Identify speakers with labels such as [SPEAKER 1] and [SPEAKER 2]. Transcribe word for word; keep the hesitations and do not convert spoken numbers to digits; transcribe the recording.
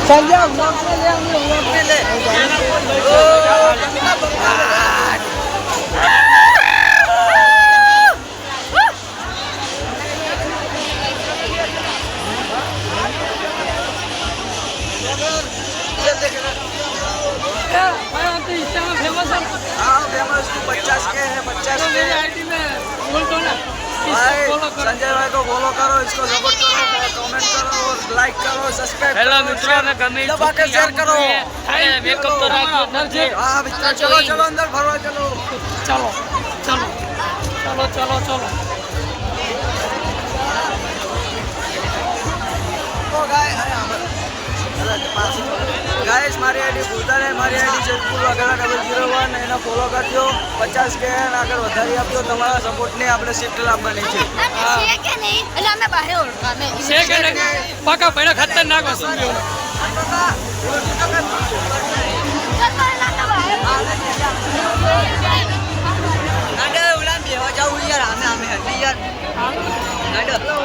[SPEAKER 1] Sanjay vlog में ले vlog में ले
[SPEAKER 2] फेमस है।
[SPEAKER 1] हाँ फेमस पचास के है पचास
[SPEAKER 2] तो
[SPEAKER 1] के
[SPEAKER 2] मेरी आईडी में बोल दो ना।
[SPEAKER 1] भाई
[SPEAKER 2] फॉलो करो।
[SPEAKER 1] संजय भाई को फॉलो करो, इसको सपोर्ट करो, कमेंट करो और लाइक करो, सब्सक्राइब
[SPEAKER 3] हेलो
[SPEAKER 1] करो,
[SPEAKER 3] मित्रों, मैं कमेंट
[SPEAKER 1] दबा के शेयर करो।
[SPEAKER 3] मेकअप तो राखो
[SPEAKER 2] नरजे।
[SPEAKER 1] हाँ मित्रों चलो चलो अंदर भरवा चलो।
[SPEAKER 2] चलो चलो चलो चलो चलो
[SPEAKER 1] गाइस મારી આઈડી ભૂલતા નહીં, મારી આઈડી જેતપુર વાઘાના ડબલ ઝીરો વન એને ફોલો કરજો, પચાસ કે આગળ વધારી આપજો, તમારા સપોર્ટને આપણે શિફ્ટ લાવવાની છે.
[SPEAKER 4] છે કે નહીં એટલે અમે બહાર ઓળખા અમે
[SPEAKER 2] છે કે નહીં પાકા ભાઈ ખતરનાક વસ્તુ છે.
[SPEAKER 1] ઉલાન બેવા જાવું યાર, આમે આમે હટી યાર.